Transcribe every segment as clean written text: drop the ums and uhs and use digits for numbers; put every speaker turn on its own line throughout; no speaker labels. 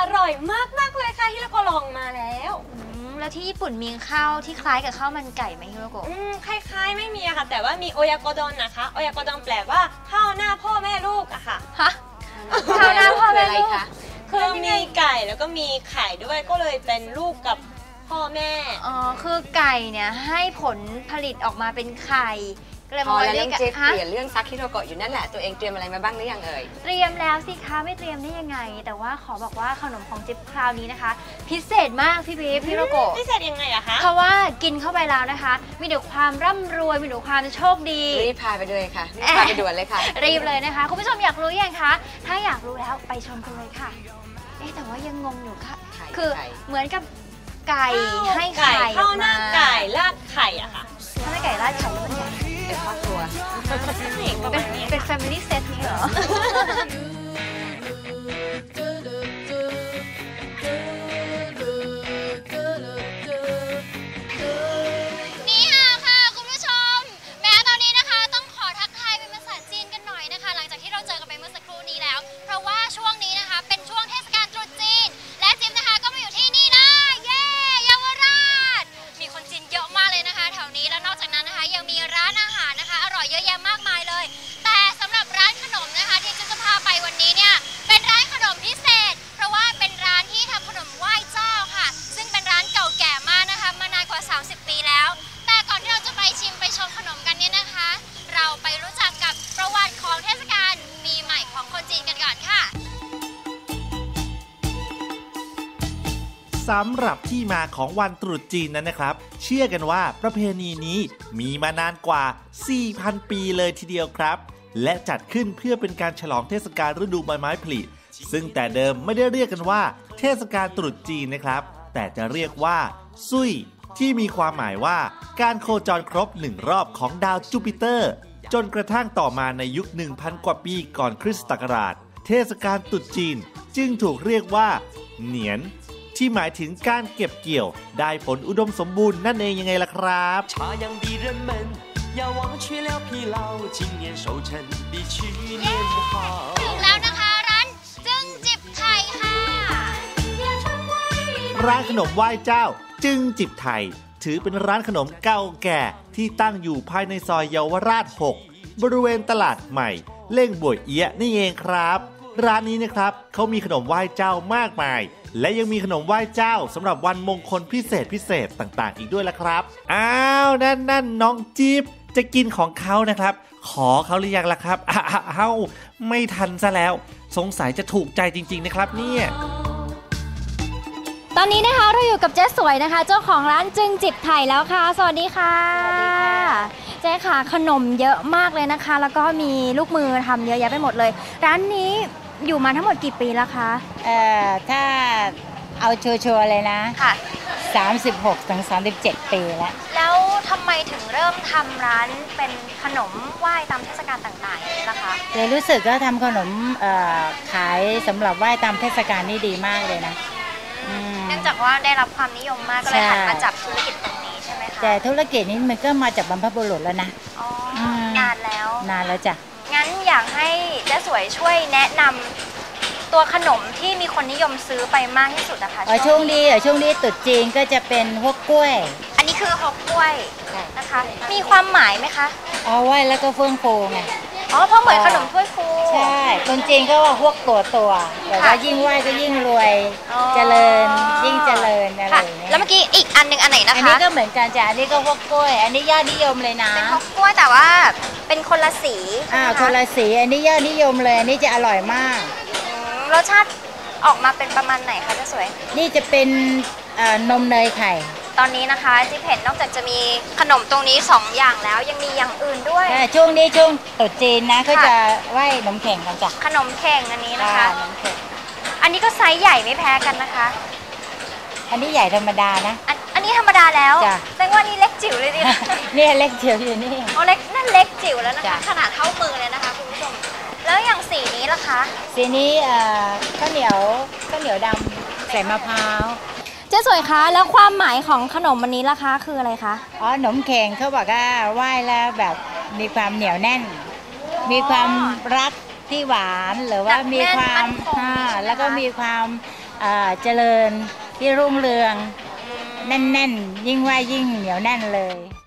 ร่อยมากเลยค่ะฮิโรโกะลองมาแล้ว
แล้วที่ญี่ปุ่นมีข้าวที่คล้ายกับข้าวมันไก่ไหมฮิโรโกะ
คล้ายๆไม่มีอะค่ะแต่ว่ามีโอยากโดนนะคะโอยากโดนแปลว่าข้าวหน้าพ่อแม่ลูกอะค่ะ
ฮะข้าวหน้าพ่อแม่ลูก
คือมีไก่แล้วก็มีไข่ด้วยก็เลยเป็นลูกกับพ่อแม่
คือไก่เนี่ยให้ผลผลิตออกมาเป็นไข่
พอแล้วน้องเจฟเปลี่ยนเรื่องซักฮิโรโกะอยู่นั่นแหละตัวเองเตรียมอะไรมาบ้างหรือยังเอ่ย
เตรียมแล้วสิคะไม่เตรียมได้ยังไงแต่ว่าขอบอกว่าขนมของจิ๊บคราวนี้นะคะพิเศษมากพี่บีพี่ฮิโรโกะ
พิเศษยังไงอะคะ
เพราะว่ากินเข้าไปแล้วนะคะมีแต่ความร่ำรวยมีแต่ความโชคดี
รีบพาไปเลยค่ะรีบพาไปด่วนเลยค่ะ
รีบเลยนะคะคุณผู้ชมอยากรู้ยังคะถ้าอยากรู้แล้วไปชมกันเลยค่ะแต่ว่ายังงงอยู่ค่ะคือเหมือนกับไก่ให้ไข่
ข้าวหน้าไก่ราดไข่อะค่ะ
ข้าวหน้าไก่ราดไข่แล้วมันใหญ่
เป็นครอบครัว
เป็น family set นี้เหรอนี่ค่ะคุณผู้ชมแม้ตอนนี้นะคะต้องขอทักทายเป็นภาษาจีนกันหน่อยนะคะหลังจากที่เราเจอกันไปเมื่อสักครู่นี้แล้วเพราะว่าช่วงนี้นะคะเป็นช่วงเทศกาลตรุษจีนและจิ๊บนะคะก็มาอยู่ที่นี่นะเย้เยาวราชมีคนจีนเยอะมากเลยนะคะแถวนี้แล้วนอกจากนั้นนะคะยังมีร้านอาหารนะคะอร่อยเยอะแยะมากมายเลยแต่สำหรับร้านขนมนะคะที่จิ๊บจะพาไปวันนี้เนี่ยเป็นร้านขนมพิเศษเพราะว่าเป็นร้านที่ทำขนมไหว้เจ้าค่ะซึ่งเป็นร้านเก่าแก่มากนะคะมานานกว่า30 ปีแล้วแต่ก่อนที่เราจะไปชิมไปชมขนมกันเนี่ยนะคะเราไปรู้จักกับประวัติของเทศกาลปีใหม่ของคนจีนกันก่อนค่ะ
สำหรับที่มาของวันตรุษจีนนั้นนะครับเชื่อกันว่าประเพณีนี้มีมานานกว่า 4,000 ปีเลยทีเดียวครับและจัดขึ้นเพื่อเป็นการฉลองเทศกาลฤดูใบไม้ผลิซึ่งแต่เดิมไม่ได้เรียกกันว่าเทศกาลตรุษจีนนะครับแต่จะเรียกว่าซุยที่มีความหมายว่าการโคจรครบ1รอบของดาวจูปิเตอร์จนกระทั่งต่อมาในยุค 1,000 กว่าปีก่อนคริสตศักราชเทศกาลตรุษจีนจึงถูกเรียกว่าเหนียนที่หมายถึงการเก็บเกี่ยวได้ผลอุดมสมบูรณ์นั่นเองยังไงล่ะครับ
ถึงแล้วนะคะร้านจึงจิบไทยค่ะ
ร้านขนมไหว้เจ้าจึงจิบไทยถือเป็นร้านขนมเก่าแก่ที่ตั้งอยู่ภายในซอยเยาวราช 6 บริเวณตลาดใหม่เล่งบวยเอี้ยนี่เองครับร้านนี้นะครับเขามีขนมไหว้เจ้ามากมายและยังมีขนมไหว้เจ้าสำหรับวันมงคลพิเศษต่างๆอีกด้วยล่ะครับอ้าวนั่นน้องจิ๊บจะกินของเขานะครับขอเขาหรือยังล่ะครับอ้าวไม่ทันซะแล้วสงสัยจะถูกใจจริงๆนะครับเนี่ย
ตอนนี้นะคะเราอยู่กับเจ๊สวยนะคะเจ้าของร้านจึงจิบไทยแล้วค่ะสวัสดีค่ะเจ๊ค่ะขนมเยอะมากเลยนะคะแล้วก็มีลูกมือทำเยอะแยะไปหมดเลยร้านนี้อยู่มาทั้งหมดกี่ปีแล้วคะ
ถ้าเอาชัวร์เลยนะ
ค่ะ
36 ถึง 37 ปี
แล้วทำไมถึงเริ่มทำร้านเป็นขนมไหว้ตามเทศกาลต่างๆล่ะคะ
เลยรู้สึกว่าทำขนมขายสำหรับไหว้ตามเทศกาลนี่ดีมากเลยนะ
เนื่องจากว่าได้รับความนิยมมากก็เลยหันมาจับธุรกิจตรงนี้ใช่ไหมคะ
แต่ธุรกิจนี้มันก็มาจากบรรพบุรุษแล้วนะ
นานแล้ว
จ้ะ
งั้นอยากให้เจ๊สวยช่วยแนะนำตัวขนมที่มีคนนิยมซื้อไปมากที่สุดนะคะ
ช่วงนี้ตรุษจีนก็จะเป็นฮกกล้วย
อันนี้คือฮกกล้วยนะคะมีความหมายไหมคะ
ไหว้แล้วก็เฟื่องฟูไง
เพราะเหมือนขนมถ้วยฟู
ใช่คนจีนก็ว่าพวกตัวแต่ว่ายิ่งไหว้ก็ยิ่งรวยเจริญยิ่งเจริญอะไรอย่างเงี้ย
แล้วเมื่อกี้อีกอันนึงอันไหนนะคะ
อันนี้ก็เหมือนกันจ้ะอันนี้ก็ฮกกล้วยอันนี้ยอดนิยมเลยนะ
เป็นฮกกล้วยแต่ว่าเป็นคนละสี
คนละสีอันนี้ยอดนิยมเลยอันนี้จะอร่อยมาก
รสชาติออกมาเป็นประมาณไหนคะเจ๊สวย
นี่จะเป็นนมเนยไข่
ตอนนี้นะคะจิ๊บเห็นนอกจากจะมีขนมตรงนี้2อย่างแล้วยังมีอย่างอื่นด้วย
ช่วงตรุษจีนนะก็จะไหว้ขนมเข่งกันจ้ะ
ขนมเข่งอันนี้นะคะอันนี้ก็ไซส์ใหญ่ไม่แพ้กันนะคะ
อันนี้ใหญ่ธรรมดานะ
อันนี้ธรรมดาแล้วแสดงว่านี่เล็กจิ๋วเลยดิ
นี่เล็กจิ๋วอยู่นี่
เล็กนั่นเล็กจิ๋วแล้วนะคะขนาดเท่ามือเลยนะคะคุณผู้ชมแล้วอย่างสีนี้ล่ะคะ
สีนี้ข้าวเหนียวดำใส่มะพร้าว
เจ๊สวยคะแล้วความหมายของขนมวันนี้ล่ะคะคืออะไรคะ
ขนมเข่งเขาบอกว่าไหว้แล้วแบบมีความเหนียวแน่นมีความรักที่หวานหรือว่ามีความแล้วก็มีความเจริญที่รุ่งเรืองแน่นๆยิ่งไหว้ยิ่งเหนียวแน่นเลย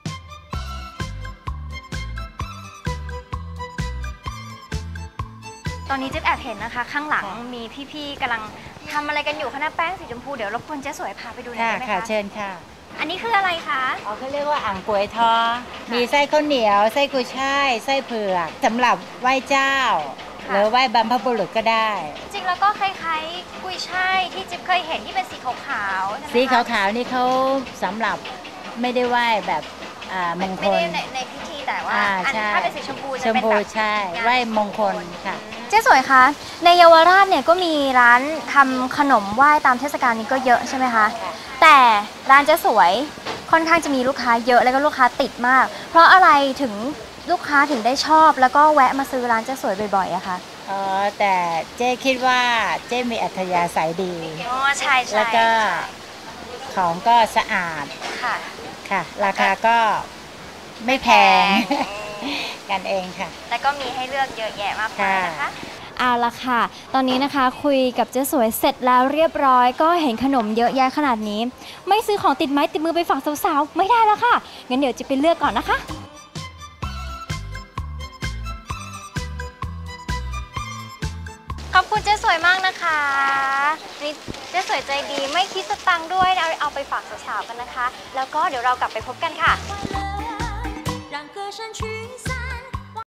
ตอนนี้เจ๊แอบเห็นนะคะ ข้างหลังมีพี่ๆกำลังทำอะไรกันอยู่คณะแป้งสีชมพูเดี๋ยวรบกวนเจ๊สวยพาไปดูหน่อยได้ไหม
ค่ะ
คะ
เชิญค่ะ
อันนี้คืออะไรคะ
เขาเรียกว่าอ่างป่วยทอมีไส้ข้าวเหนียวไส้กุยช่ายไส้เผือกสำหรับไหว้เจ้า หรือไหว้บรรพบุรุษก็ได้
จริงๆแล้วก็คล้ายๆกุยช่ายที่จิ๊บเคยเห็นที่เป็นสีขาวๆใช่ไหมคะ
สีขาวๆนี่เขาสำหรับไม่ได้ไหว้แบบมงค
ไม่
ล
ได้ในพิธีแต่ว่าอัน
ใช่
ถ้าเป็นสีชมพู
ช
จะ
ม
เป็น
พู
แบบ
ใช่ไหว้มงคลค่ะ
เจ๊สวยคะในเยาวราชเนี่ยก็มีร้านทำขนมไหว้ตามเทศกาลนี้ก็เยอะใช่ไหมคะ
ค่ะ
แต่ร้านเจ๊สวยค่อนข้างจะมีลูกค้าเยอะแล้วก็ลูกค้าติดมาก เพราะอะไรถึงลูกค้าถึงได้ชอบแล้วก็แวะมาซื้อร้านเจ๊สวยบ่อยๆอะคะ
แต่เจ๊คิดว่าเจ๊มีอัธยาศัยดี
อ๋อใช่ใช่
แล้วก็ของก็สะอาด
ค่ะ
ค่ะ ราคาก็ไม่แพง กันเองค่ะ
แต่ก็มีให้เลือกเยอะแยะมากมายนะคะ
ค่ะ
เอาละค่ะ ตอนนี้นะคะคุยกับเจ๊สวยเสร็จแล้วเรียบร้อย ก็เห็นขนมเยอะแยะขนาดนี้ ไม่ซื้อของติดไม้ติดมือไปฝากสาวๆไม่ได้แล้วค่ะ งั้นเดี๋ยวจะไปเลือกก่อนนะคะ ขอบคุณเจ๊สวยมากนะคะนี่เจ๊สวยใจดีไม่คิดสตังค์ด้วยเอาไปฝากสาวๆกันนะคะ แล้วก็เดี๋ยวเรากลับไปพบกันค่ะ